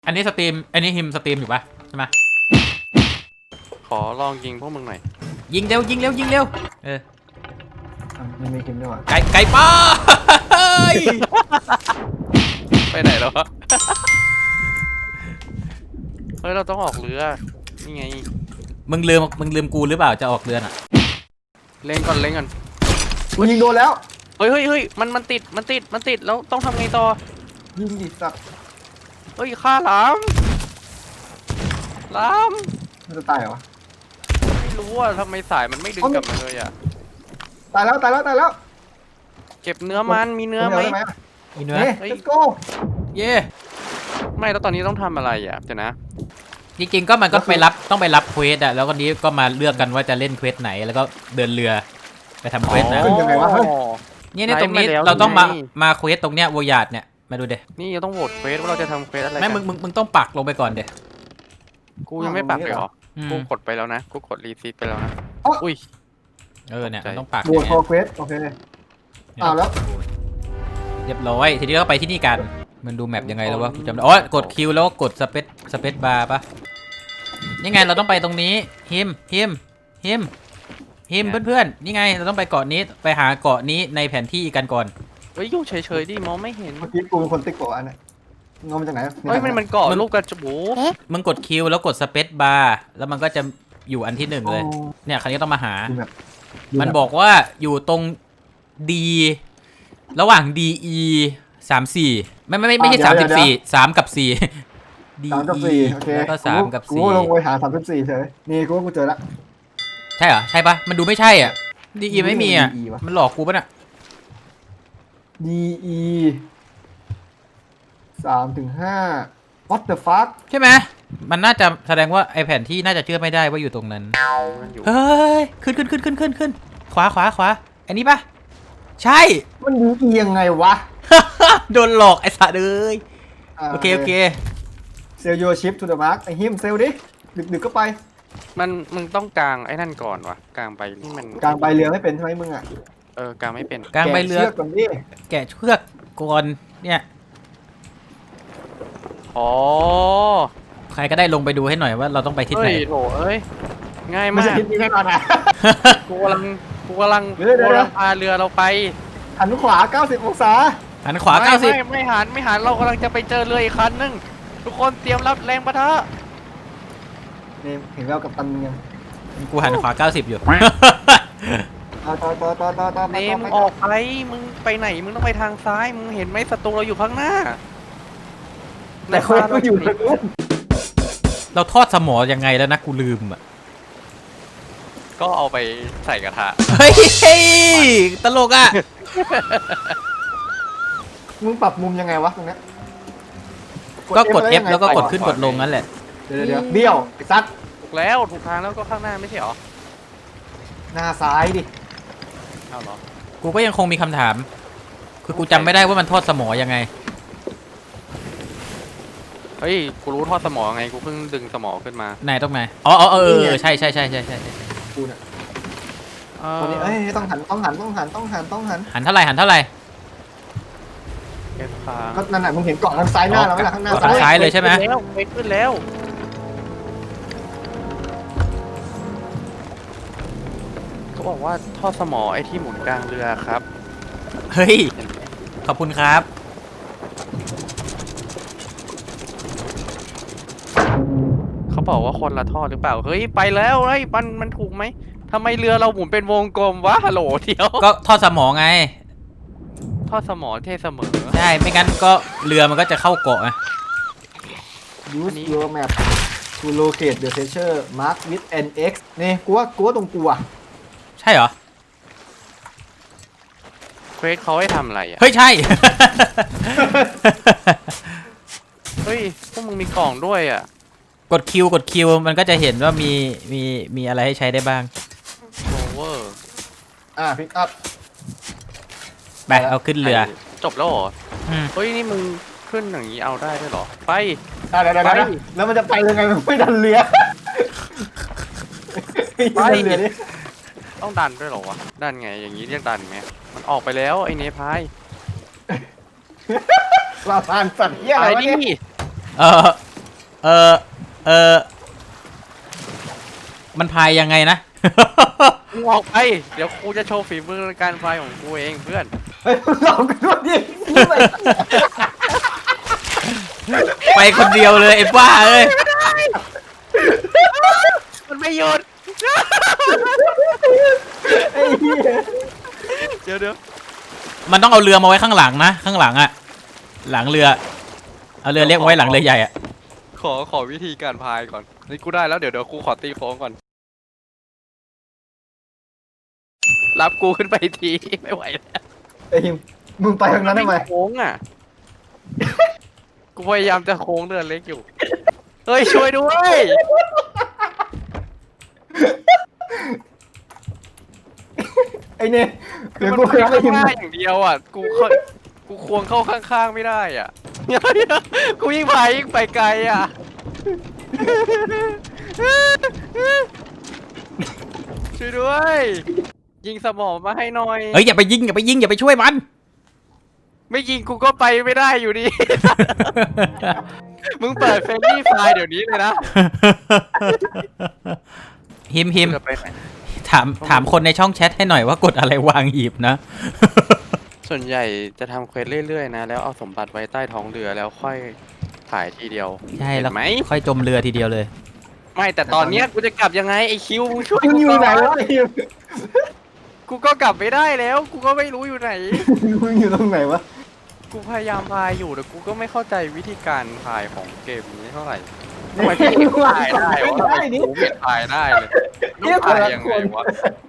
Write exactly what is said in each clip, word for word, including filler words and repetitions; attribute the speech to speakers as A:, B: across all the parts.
A: อันนี้สตรีมอันนี้ฮิมสตรีมอยู่ปะใช่ไหม
B: ขอลองยิงพวกมึงหน่อย
A: ยิงเร็วยิงเร็วยิงเร็วเออ
C: มันมีคิมด้วยวะ
A: ไก่ไก่ป้า
B: ไปไหนแล้วเฮ้ยเราต้องออกเรือนี่ไง
A: มึงลืมมึงลืมกูหรือเปล่าจะออกเรือน่ะ
B: เล่นก่อนเล่นก่อน
C: กูยิงโดนแล้ว
B: เฮ้ยเฮ้ยเฮ้ยมันมันติดมันติดมันติดแล้วต้องทำไงต่อ
C: ยิงดิสัตว์
B: เฮ้ยฆ่าหลามหลาม
C: มันจะตายเหรอ
B: ไม่รู้ว่าทำไมสายมันไม่ดึงกลับมาเลยอ่ะ
C: ตายแล้วตายแล้วตายแล้ว
B: เก็บเนื้อมันมีเนื้อไหม
A: มีเนื้อ
C: เฮ้ย let's go
A: เย่
B: ไม่แล้วตอนนี้ต้องทำอะไรอ่ะเดี๋ยวนะ
A: จริงๆก็มันก็ไปรับต้องไปรับเควสอะแล้วก็นี้ก็มาเลือกกันว่าจะเล่นเควสไหนแล้วก็เดินเรือไปทำเควสนะนี่ในตรงนี้เราต้องมามาเควสตรงเนี้ยวอยาดเนี่ยมาดูเด
B: นี่เราต้องโหวตเควสว่าเราจะทำเควสอะไร
A: ไม่มึงมึงมึงต้องปักลงไปก่อนเด
B: กูยังไม่ปักเลยเหรอกูกดไปแล้วนะกูกดรีซีไปแล้วนะอุ้ย
A: เออเนี่ยต้องปัก
C: โหวตเควสโอเคอ้าวแล้ว
A: เรียบร้อยทีนี้ก็ไปที่นี่กันมันดูแมปยังไงแล้ววะจำได้อ๋อกดคิวแล้วก็กดสเปซสเปซบาร์ปะนี่ไงเราต้องไปตรงนี้ฮิมฮิมฮิมฮิมเพื่อนๆนี่ไงเราต้องไปเกาะนี้ไปหาเกาะนี้ในแผนที่กันก่อน
B: เฮ้ยอยู่เฉยๆดิมองไม่เห็น
C: เมื่อกี้กูเป็นคนติ๊กเกาะอันนี้งงมาจากไหน
B: เฮ้ยมันมันเกาะลูกกระจู
A: มึงกดคิวแล้วกดสเปซบาร์แล้วมันก็จะอยู่อันที่หนึ่งเลยเนี่ยคราวนี้ต้องมาหามันบอกว่าอยู่ตรงดีระหว่าง ดี อี สามสี่ไม่ไม่ไม่ไม่ใช่สามสิบสี่สามกับสี่
C: สามกับสี่โอเค
A: แล้วก็สามกับสี่
C: กูลงไปหาสามสิบสี่เฉยนี่กูว่ากูเจอละ
A: ใช่เหรอใช่ปะมันดูไม่ใช่อ่ะ ดี อี ไม่มีอ่ะมันหลอกกูปะเนี่ย
C: ดี อี สามถึงห้า what the fuck
A: ใช่ไหมมันน่าจะแสดงว่าไอแผนที่น่าจะเชื่อไม่ได้ว่าอยู่ตรงนั้นเฮ้ยขึ้นขึ้นขึ้นขึ้นขึ้นขึ้นขวาขวาขวาอันนี้ปะใช่
C: มันดีอียังไงวะ
A: โดนหลอกไอ้สัตว์เลยโอเคโอเค
C: เซลโยชิปทูเดอะมาร์กไอ้ฮิมเซลดิดึกดึกก็ไป
B: มันมึงต้องกางไอ้นั่นก่อนวะกางใบนี่มัน
C: กางใบเรือไม่เป็นใช่ไหมมึงอ่ะ
B: เออกางไม่เป็น
A: กางใบเรือ
C: ก่อนดิ
A: แกะเชือกก่อนเนี่ย
B: อ๋อ
A: ใครก็ได้ลงไปดูให้หน่อยว่าเราต้องไปทิศไหน
B: โถเอ้ยง่ายมากไม่
C: ใช่ทิศนี้แน่นอนอ่ะ
B: กูกำลังกูกำลังกูกำลังพาเรือเราไป
C: หันขวาเก้าสิบองศา
A: หันขวาเก้าสิบ
B: ไม่ไม่หันไม่หันเรากำลังจะไปเจอเรืออีกคันนึงทุกคนเตรียมรับแรงปะทะ
C: นี่เห็นแล้วกับตันยัง
A: กูหันขวาเก้าสิบอยู่
C: ต่อต่อต่อต่อต่อต่อ
B: เนมออกไปมึงไปไหนมึงต้องไปทางซ้ายมึงเห็นไหมศัตรูเราอยู่ข้างหน้า
C: แต่คนก็อยู่ตรงนู้น
A: เราทอดสมอยังไงแล้วนะกูลืมอ่ะ
B: ก็เอาไปใส่กระทะ
A: เฮ้ยตลกอ่ะ
C: มึงปรับมุมยังไงวะตรงนี้
A: ก็กด F แล้วก็กดขึ้นกดลงนั่นแหละ
C: เดี๋ยวเดี๋ยวเบี้ยวไอ้ซัด
B: ถูกแล้วถูกทางแล้วก็ข้างหน้าไม่ใช่หรอ
C: หน้าซ้ายดิ
B: เอาเหรอ
A: กูก็ยังคงมีคำถามคือกูจำไม่ได้ว่ามันทอดสมอยังไง
B: เฮ้ยกูรู้ทอดสมอไงกูเพิ่งดึงสมอขึ้นมา
A: ไหนตรงไหนอ๋อเออเออใช่ใช่ใช่ใช่ใช่
C: กูเนี่ยคนนี้เอ้ยต้องหันต้องหันต้องหันต้องหันต้องหัน
A: หันเท่าไหร่หันเท่าไหร่
C: ก็นั่นแหละมึงเห็นเกาะทางซ้ายหน้าเราไหมล่ะข้างหน้า
A: ซ้ายเลยใช่ไหม
B: แล้วไปขึ้นแล้วเขาบอกว่าทอดสมอไอ้ที่หมุนกลางเรือครับ
A: เฮ้ยขอบคุณครับ
B: เขาบอกว่าคนละทอดหรือเปล่าเฮ้ยไปแล้วเฮ้ยมันมันถูกไหมทำไมเรือเราหมุนเป็นวงกลมวะฮัลโหลเดียว
A: ก็ทอดสมอไง
B: ทอดสมอเท่เสมอ
A: ใช่ไม่งั้นก็เรือมันก็จะเข้าเกาะไง
C: Use your map to locate the treasure mark with an X นี่กูว่ากูว่าตรงกูอ่ะ
A: ใช่เหรอ
B: เควสเขาให้ทำอะไรอ่ะ
A: เฮ้ยใช่
B: เฮ้ยพวกมึงมีกล่องด้วยอ่ะ
A: กดคิวกดคิวมันก็จะเห็นว่ามีมีมีอะไรให้ใช้ได้บ้าง
B: โอเวอร์
C: อ่ะพิกอัพ
A: ไปเอาขึ้นเรือ
B: จบแล้วเหรอเฮ้ยนี่มึงขึ้นอย่างนี้เอาได้ด้วยเหรอไป
C: ได้ได้ได้แล้วมันจะไปยังไงมันไม่ดันเรือ
B: ไปเรือนี่ต้องดันด้วยเหรอวะดันไงอย่างนี้เรียกดันไหมมันออกไปแล้วไอ้เนพาย
C: ลาพานสัตว์เหี้ยอะไร
B: นี่
A: เออเออเออมันพายยังไงนะ
B: มึงออกไปเดี๋ยวกูจะโชว์ฝีมือในการพายของกูเองเพื่อน
C: เฮ้ยลองกันด้วยดินี่ไป
A: ไปคนเดียวเลยไอ้บ้าเอ้ย
B: มันไม่หยุด
C: ไอ้เหี้ย
B: เดี๋ยวเดี๋ยว
A: มันต้องเอาเรือมาไว้ข้างหลังนะข้างหลังอะหลังเรือเอาเรือเล็กมาไว้หลังเรือใหญ่อะ
B: ขอขอวิธีการพายก่อนนี่กูได้แล้วเดี๋ยวเดี๋ยวกูขอตีโค้งก่อนรับกูขึ้นไปทีไม่ไหวแล้ว
C: ไอ้หิมมึงไปทางนั้นทำไม
B: โค้งอ่ะ กูพยายามจะโค้งเรือเล็กอยู่เฮ้ยช่วยด้วย
C: ไอ้เนี่ย
B: คื
C: เดี๋
B: อ
C: ยว
B: มัน
C: กู
B: ไป
C: ไป
B: ข้า
C: ให้หิม
B: งหน้าอย่างเดียวอ่ะกูเข้ากูควงเข้าข้างๆไม่ได้อ่ะ เดี๋ยวเดี๋ยวกูยิ่งพายยิ่งไปไกลอ่ะ ช่วยด้วย ยิงสมองมาให้หน่อย
A: เฮ้ยอย่าไปยิงอย่าไปยิงอย่าไปช่วยมัน
B: ไม่ยิงกูก็ไปไม่ได้อยู่ดี มึงเปิดเฟรนลี่ไฟล์เดี๋ยวนี้เลยนะ
A: ฮิมฮิม
B: จะไปไหน
A: ถามถามคนในช่องแชทให้หน่อยว่ากดอะไรวางหีบนะ
B: ส่วนใหญ่จะทำเควสเรื่อยๆนะ แล้วเอาสมบัติไว้ใต้ท้องเรือแล้วค่อยถ่ายทีเดียว
A: ใช่แล้ว
B: เห็นไหม
A: ค่อยจมเรือทีเดียวเลย
B: ไม่แต่ตอนเนี้ยกูจะกลับยังไงไอคิวมึงช่วย
C: มึง
B: กู
C: อยู่ไหน
B: ก่
C: วะไอ้หิม
B: กูก็กลับไม่ได้แล้ว กูก็ไม่รู้อยู่ไหน
C: มึงอยู่ตรงไหนวะ
B: กูพยายามพายอยู่แต่กูก็ไม่เข้าใจวิธีการพายของเกมนี้เท่าไหร่ทำไมพี่เอกพายได้วะทำไมกูไม่พายได้เลยต้องพายยังไงวะ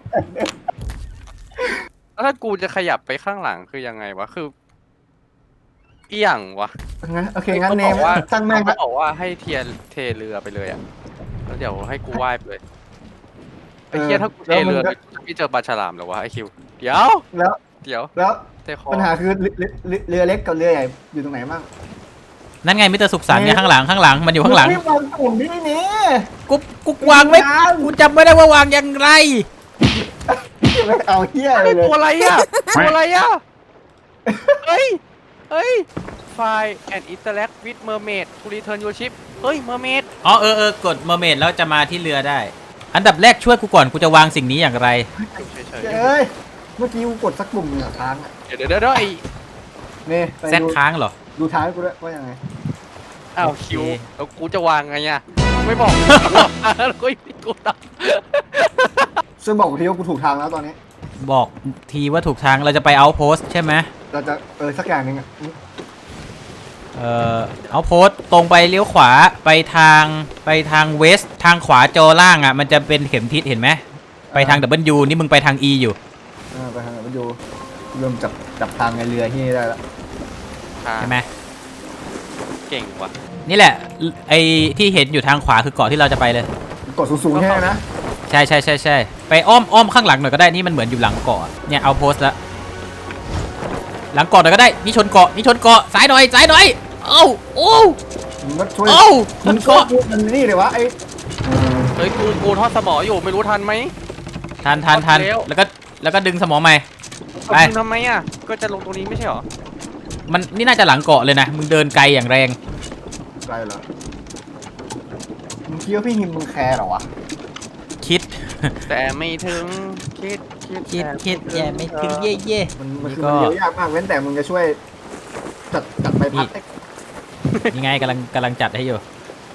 B: แล้วถ้ากูจะขยับไปข้างหลังคือยังไงวะคือเอี่ยงวะ
C: งั้นโอเคงั้นเนม
B: ขาบอกว่า
C: ตั้งแม่ง
B: เขา
C: ละ
B: บอกว่าให้เทียนเทเรือไปเลยอ่ะแล้วเดี๋ยวให้กูว่ายไปเลยไอ้เทียถ้ากูเทเรือเลยกูจะไม่เจอปลาฉลามเหรอวะไอคิวเดี๋ยว
C: แล้ว
B: เดี๋ยว
C: แล้ว
B: เทคอ
C: ปัญหาคือเรือเรือเรือเล็กกับเรือใหญ่อยู่ตรงไหนบ้าง
A: นั่นไงมิสเตอร์สุขสันต์เนี่ยข้างหลังข้างหลังมันอยู่ข้างหลัง
C: มึไม่วางกลุ่มที่นี่
A: กูกูวางไว้กูจำไม่ได้ว่าวางยังไง
C: ไม่เอาเหี้ยอะไรเลย
B: ตัวอะไรอ่ะตัวอะไรอ่ะเฮ้ยเฮ้ยไฟล์ and interact with mermaid to return your ship เฮ้ย mermaid
A: อ๋อเออเออกดเมอร์เมดแล้วจะมาที่เรือได้ อันดับแรกช่วยกูก่อนกูจะวางสิ่งนี้อย่างไร
B: เฉย
C: เอ้ยเมื่อกี้กูกดสักกลุ่มหนึ่งอะค้างอะ
B: ๆเดี๋ยวเดี๋ยวเดี๋ยวไอ้
C: นี่ไป
A: แซด
C: ดู
A: ค้างเหรอ
C: ดูท้ายกูด้วยว่ายังไง
B: อ้าว
A: โอเค
B: คิวแล้วกูจะวางไงอ่ะไม่บอกแล้วก็ยังกูต
C: ช่วยบอกกูทีว่ากูถูกทางแล้วตอนนี้
A: บอกทีว่าถูกทางเราจะไปเอาโพสใช่ไหม
C: เราจะเออสักอย่างหนึ่งอะ
A: เอ่อเอาโพสตรงไปเลี้ยวขวาไปทางไปทางเวสทางขวาจอล่างอ่ะมันจะเป็นเข็มทิศเห็นไหมไปทาง ดับเบิลยู นี่มึงไปทาง E อยู่
C: เออไปทางไหนไปดูเริ่มจับจับทางในเรือที่นี่ได้แล้ว
A: ใช่ไหม
B: เก่งว่ะ
A: นี่แหละไอ้ที่เห็นอยู่ทางขวาคือเกาะที่เราจะไปเลย
C: กดสูงๆแค่นั้นนะ
A: ใช่ใช่ใช่ใช่ไปอ้อมอ้อมข้างหลังหน่อยก็ได้นี่มันเหมือนอยู่หลังเกาะเนี่ยเอาโพสแล้วหลังเกาะหน่อยก็ได้นี่ชนเกาะนี่ชนเกาะซ้ายหน่อยซ้ายหน่อยเอ้าโอ้
C: มึงก็ช่วย
A: เอ้าช
C: มึ
A: น
C: งก็
A: เกาะ
C: พูดมันนี่เลยวะไอ้
B: เฮ้ยกูกูทอดสมออยู่ไม่รู้ทันไหม
A: ทันทันทัน
B: เร็ว
A: แล้วก็แล้วก็ดึงสมองใหม่ ไป
B: เอามึงทำไมอ่ะก็จะลงตรงนี้ไม่ใช่เหรอ
A: มันนี่น่าจะหลังเกาะเลยนะมึงเดินไกลอย่างแรง
C: ไกลเหรอมึงคิดว่าพี่หิมมึงแคร์เหรอวะ
A: คิด
B: แต่ไม่ถึงคิดคิด
A: คิด
B: แต่
A: คิดแย่ไม่ถึงเย่เย่
C: มันมัน
A: นี่
C: คือ
A: ก็
C: มันเลี้ยวยากมากเว้นแต่มึงจะช่วยจัดจัดไปพัด
A: นี่ ยังไงกำลังกำลังจัดให้อยู่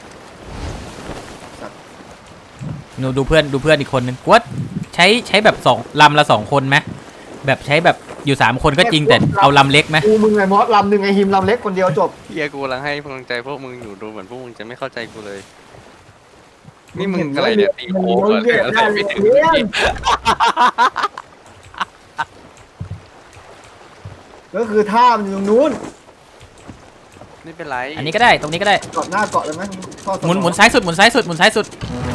A: หนูดูเพื่อนดูเพื่อนอีกคนนึงกวดใช้ใช้แบบสองลำละสองคนไหมแบบใช้แบบอยู่สามคนก็จริงแต่เอาลำเล็กไหม
C: กูมึงไงมอสลำหนึ่งไอหิมลำเล็กคนเดียวจบ
B: เฮียกูกำลังให้กำลังใจพวกมึงอยู่ดูเหมือนพวกมึงจะไม่เข้าใจกูเลย นี่มึงอะไรเนี่ยตีโค้งเหรอหรืออะไรไม่ถึง
C: ก็คือท่ามันอยู่ตรงนู้น
B: ไม่เป็นไร
A: อันนี้ก็ได้ตรงนี้ก็ได้
C: เกาะหน้าเกาะเลยไหมทอดส
A: หมุนหมุนซ้ายสุดหมุนซ้ายสุดหมุนซ้ายสุด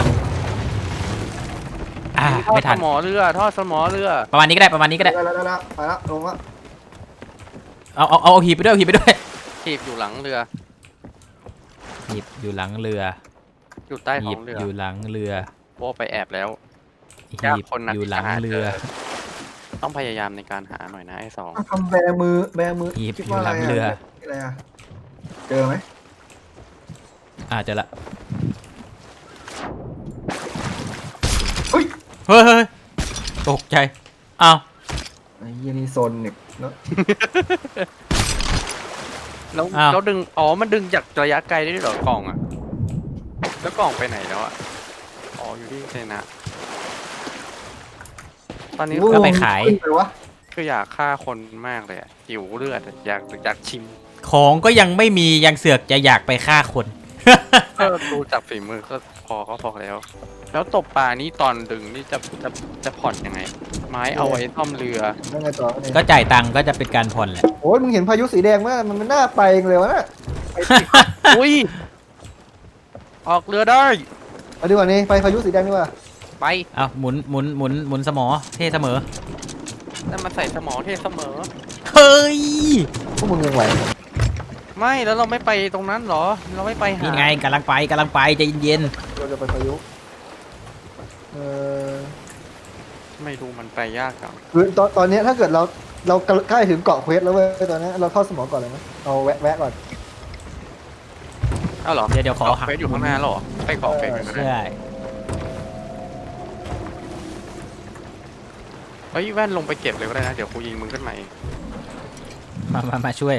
A: อ่า
B: ทอด
A: ไม่
B: ส
A: ทัน
B: มอเรือทอดสมอเรือ
A: ประมาณนี้ก็ได้ประมาณนี้ก็ได้
C: ได้แล้วได้แล้วไปแล้วลงแล้ว
A: เอาเอาเอาหีบไปด้วยเอาหีบไปด้วย
B: ถีบอยู่หลังเรือ
A: หีบอยู่หลังเรือ
B: อยู่ใต้ท้
A: หี
B: อบ งเรือ
A: อยู่หลังเรือ
B: โอ้ไปแอบแล้ว
A: หี
B: ยาก
A: บ
B: คนนะ
A: อยู่หลัง
B: ที่จะหา
A: เรือ
B: เจอ ต้องพยายามในการหาหน่อยนะไอ้สอง
C: ทำแบมือแบมือ
A: หีบ
C: คิด
A: อยู่
C: ว่า
A: ห
C: อะไร
A: ลังเรือ
C: อะไรอะเจอไหม
A: อ่าเจอละ
C: เฮ้ย
A: เฮ้ยเฮ้ยตกใจอ้าว
C: ไอ้เหี้ยนี่โซนเนี่ยเนาะ
B: แล้ว
A: อ้าว
B: แล้วดึงอ๋อมันดึงจากระยะไกลได้ด้วยเหรอกล่องอ่ะแล้วกล่องไปไหนแล้วอ่ะอ๋ออยู่ที่เซนะตอนนี้
A: ก็ไปขาย
C: ขึ้นไปวะ
B: คืออยากฆ่าคนมากเลยอะหิวเลือดอะอยากอยากชิม
A: ของก็ยังไม่มียังเสือกจะอยากไปฆ่าคน
B: ก็ดูจากฝีมือก็พอก็พอแล้ว แล้วตบปลานี่ตอนดึงนี่จะจะจะผ่อนยังไง ไม้เอาไว้ซ่อมเรือ
C: แล้วไงต่อเนี่ย
A: ก็จ่ายตังค์ก็จะเป็นการผ่อนแหละ
C: โอ้ยมึงเห็นพายุสีแดงไหมมันมันน่าไปเองเลยวะน่ะ
B: อุ้ยออกเรือได้
C: เอาดีกว่านี่ไปพายุสีแดงดีกว่า
B: ไป
A: เอาหมุนหมุนหมุนหมุนสมอเท่เสมอ
B: นั่นมาใส่สมอเทเสมอ
A: เฮ้ย
C: พวกมึงยังไหว
B: ไม่แล้วเราไม่ไปตรงนั้นเหรอ เราไม่ไปหา
A: นี่ไงกำลังไปกำลังไปใจเย็น
C: เราจะไปพายุเออ
B: ไม่ดูมันไปยากจัง
C: คือตอนตอนเนี้ยถ้าเกิดเราเราใกล้ถึงเกาะเควสแล้วเว้ยตอนนี้เราเข้าสมองก่อนเลยไหมเอาแวะแวะก่อน
B: อ้าวเหรอ
A: ๆเดี๋ยวเดี๋ยวขอ
B: เกาะเฟสอยู่ข้างหน้าเหรอไปเกาะเฟสกันก็ได้
A: ใช่
B: เฮ้ยแว่นลงไปเก็บเลยก็ได้นะ เดี๋ยวกูยิงมึงขึ้นมาเอง
A: มามามาช่วย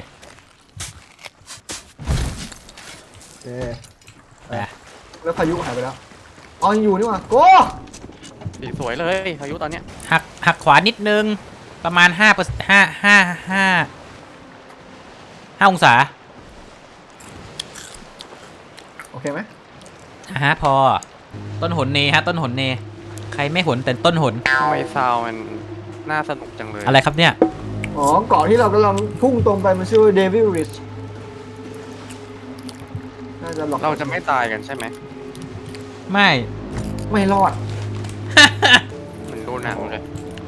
C: โอเค
A: ไป
C: แล้วพายุหายไปแล้วอ๋อยังอยู่นี่หว่าโก้
B: สีสวยเลยพายุตอนเนี้ย
A: หักหักขวานิดนึงประมาณห้าเปอร์ห้าห้าห้าห้าองศา
C: โอเคไหม
A: อ่ะฮะพอต้นหนเนฮะต้นหนเน ใครไม่หนแต่ต้นหน
B: ทำไมซาวมันน่าสนุกจังเลย
A: อะไรครับเนี่ย
C: อ๋อเกาะที่เรากำลังพุ่งตรงไปมันชื่อเดวิลริชน่าจะหลอก
B: เราจะไม่ตายกันใช่ไหม
A: ไม่
C: ไม่รอด
B: เหมันดูหนังเลย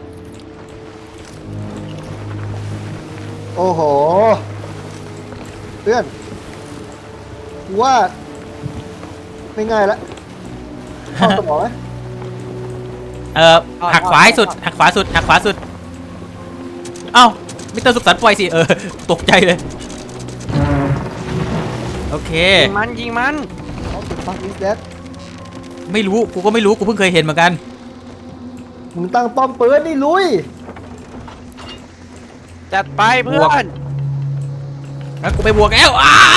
C: โอ้โหเพื่อนกูว่าไม่ง่ายละเข้าสมองไหม
A: เออหักขวาให้สุดหักขวาสุดหักขวาสุด เอ้ามิสเตอร์สุขสันต์ปล่อยสิเออตกใจเลยโอเค
B: ยิงมันยิงมัน
C: เขาติดฟังอิสเดด
A: ไม่รู้กูก็ไม่รู้กูเพิ่งเคยเห็นเหมือนกัน
C: มึงตั้งป้อมปืนนี่ลุย
B: จัดไปเพื่
A: บว
B: อก น
A: แล้วกูไปบวกแล้วอ้าว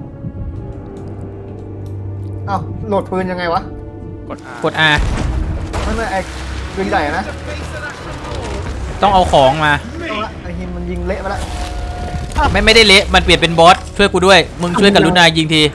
C: อ้าวโหลดปืนยังไงวะ
B: กด R
A: กด R
C: ไม่ไม่ไอ้ปืนใหญ่อะนะ
A: ต้องเอาของมา
C: เอาละไอ้หินมันยิงเละไปละ
A: ไม่ไม่ได้เละมันเปลี่ยนเป็นบอสช่วยกูด้วยมึงช่วยกรุณายิงที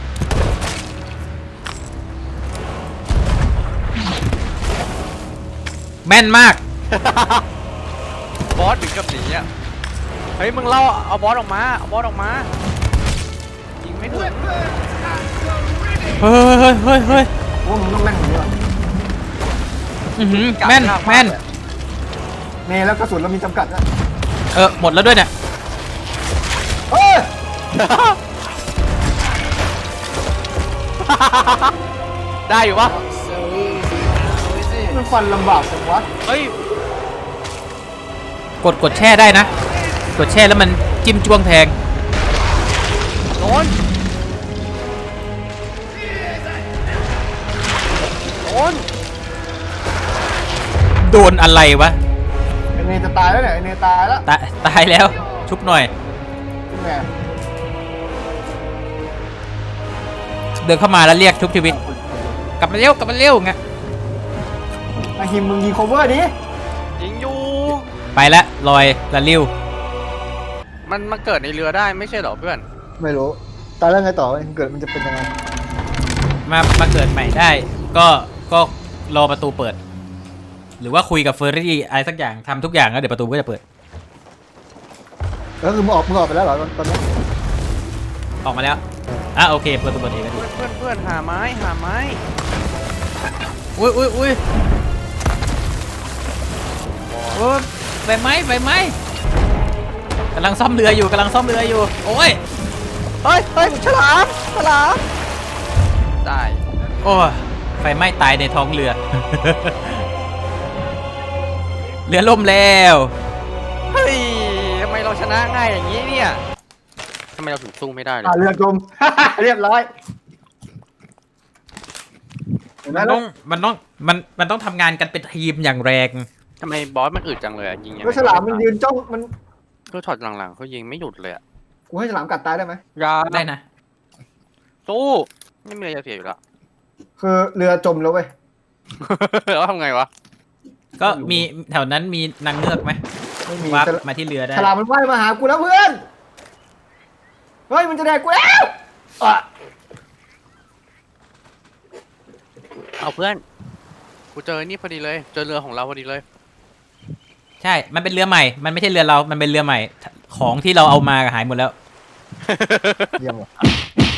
A: แม่นมาก
B: บอสถึงกับหนีอ่ะเฮ้ยมึงเล่าเอาบอสออกมาเอาบอสออกมายิงไม่ถึง
A: เฮ้ยเฮ้ยเฮ้ยเฮ้ย
C: โอ้มึงต้องแม่นกว่านี้ว่ะ
A: อื้อหือแม่นแม่น
C: นี่แล้วกระสุนเรามีจำกัดนะ
A: เออหมดแล้วด้วยเนี่ย
C: เฮ้ย
B: ได้อยู่ปะ
C: มันฟันลำบากจังวะ
B: เฮ้ย
A: กดกดแช่ได้นะ กดแช่แล้วมันจิ้มจ้วงแทง
B: โดนโดน
A: โดนอะไรวะ
C: ไอเนยจะตายแล้วเนี่ยไอเนยตายแล้ว
A: ตายตายแล้วชุบหน่อย
C: คุณแม่
A: เดินเข้ามาแล้วเรียกชุบชีวิต กลับมาเร็วกลับมาเร็วไง
C: ไอหิมมึงยิง cover ดิ
B: ยิงอยู่
A: ไปแล้วลอยละลิ้ว
B: มันมาเกิดในเรือได้ไม่ใช่เหรอเพื่อน
C: ไม่รู้ตายแล้วไงต่อเกิดมันจะเป็นยังไง
A: มามาเกิดใหม่ได้ ก็ก็รอประตูเปิด หรือว่าคุยกับเฟอร์รี่อะไรสักอย่างทำทุกอย่างแล้วเดี๋ยวประตูก็จะเปิด
C: แล้วคือมึงออกมึงออกไปแล้วเหรอตอนนี้
A: ออกมาแล้วอ่ะโอเคประตูเปิดเองก็ดี
B: เพื่อนเพื่อนเพื่อนหาไม้หาไม้
A: อุ้ยอุ้ยอุ้ยโอ้ยใบไม้ใบไม้กำลังซ่อมเรืออยู่กำลังซ่อมเรืออยู่โอ้ย
B: เฮ้ยเฮ้ยฉลามฉลามได้
A: โอ้ยไฟไหม้ตายในท้องเรือ เรือล่มแล้ว
B: เฮ้ยทำไมเราชนะง่ายอย่างนี้เนี่ยทำไมเราถึงสู้ไม่ได้เลย
C: อ่าเรือจม เรียบร้อยเห็นไหม
A: มัน
C: แล้
A: ต้
C: ว
A: องมันต้องมันมันต้องทำงานกันเป็นทีมอย่างแรง
B: ทำไมบอสมันอึดจังเลยอะยิงยังไง
C: แล้วฉลามมันยืนจ้องมัน
B: ก็ช็อตหลังๆเขายิงไม่หยุดเลยอะ
C: กูให้ฉลามกัดตายได้ไหม
B: ยา
A: ได้นะ
B: สู้ไม่มีอะไรจะเสียอยู่แล้ว
C: คือเรือจมแล้วเว้ย
B: แล้วทำไงวะ
A: ก็มีแถวนั้นมีนางเงือกไหม
C: ไม่มี
A: วับ
C: ฉลาม
A: มาที่เรือได้
C: ฉลามมันว่ายมาหากูแล้วเพื่อนเฮ้ยมันจะแดกกูแล้วอ่ะ
B: เอาเพื่อนกูเจอนี่พอดีเลย เจอเรือของเราพอดีเลย
A: ใช่ มันเป็นเรือใหม่ มันไม่ใช่เรือเรา มันเป็นเรือใหม่ ของที่เราเอามาหายหมดแล้ว
C: เยี่ยมว่ะ